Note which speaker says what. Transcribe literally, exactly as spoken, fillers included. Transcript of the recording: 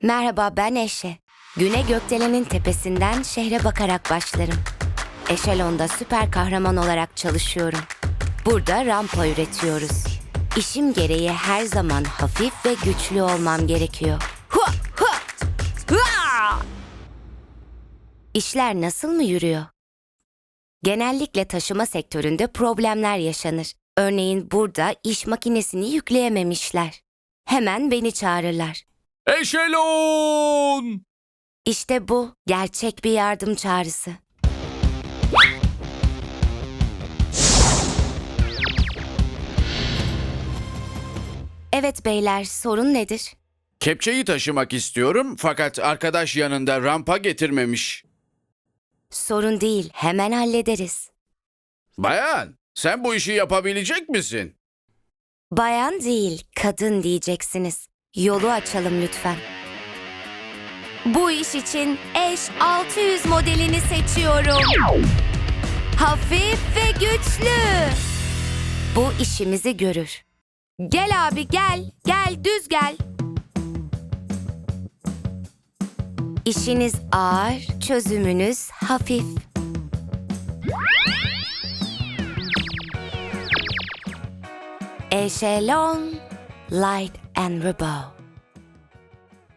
Speaker 1: Merhaba, ben Eşe. Güne gökdelenin tepesinden şehre bakarak başlarım. Eşelon'da süper kahraman olarak çalışıyorum. Burada rampa üretiyoruz. İşim gereği her zaman hafif ve güçlü olmam gerekiyor. Hua, hua, hua! İşler nasıl mı yürüyor? Genellikle taşıma sektöründe problemler yaşanır. Örneğin burada iş makinesini yükleyememişler. Hemen beni çağırırlar.
Speaker 2: Eşelon!
Speaker 1: İşte bu gerçek bir yardım çağrısı. Evet beyler, sorun nedir?
Speaker 2: Kepçeyi taşımak istiyorum fakat arkadaş yanında rampa getirmemiş.
Speaker 1: Sorun değil, hemen hallederiz.
Speaker 2: Bayan, sen bu işi yapabilecek misin?
Speaker 1: Bayan değil, kadın diyeceksiniz. Yolu açalım lütfen. Bu iş için Eş altı yüz modelini seçiyorum. Hafif ve güçlü. Bu işimizi görür. Gel abi gel, gel düz gel. İşiniz ağır, çözümünüz hafif. Eşelon, Light and Rainbow.